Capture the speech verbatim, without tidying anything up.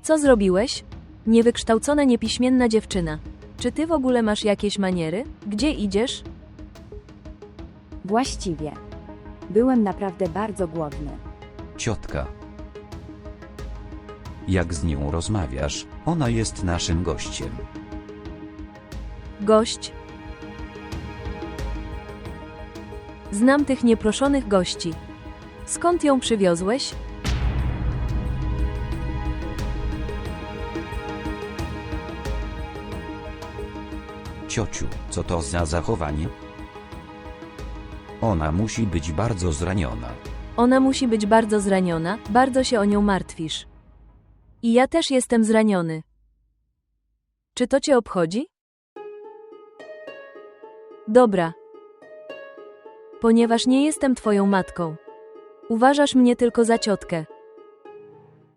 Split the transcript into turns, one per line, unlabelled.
Co zrobiłeś? Niewykształcona, niepiśmienna dziewczyna. Czy ty w ogóle masz jakieś maniery? Gdzie idziesz?
Właściwie. Byłem naprawdę bardzo głodny.
Ciotka. Jak z nią rozmawiasz? Ona jest naszym gościem.
Gość. Znam tych nieproszonych gości. Skąd ją przywiozłeś?
Ciociu, co to za zachowanie? Ona musi być bardzo zraniona.
Ona musi być bardzo zraniona, bardzo się o nią martwisz. I ja też jestem zraniony. Czy to cię obchodzi? Dobra. Ponieważ nie jestem twoją matką. Uważasz mnie tylko za ciotkę.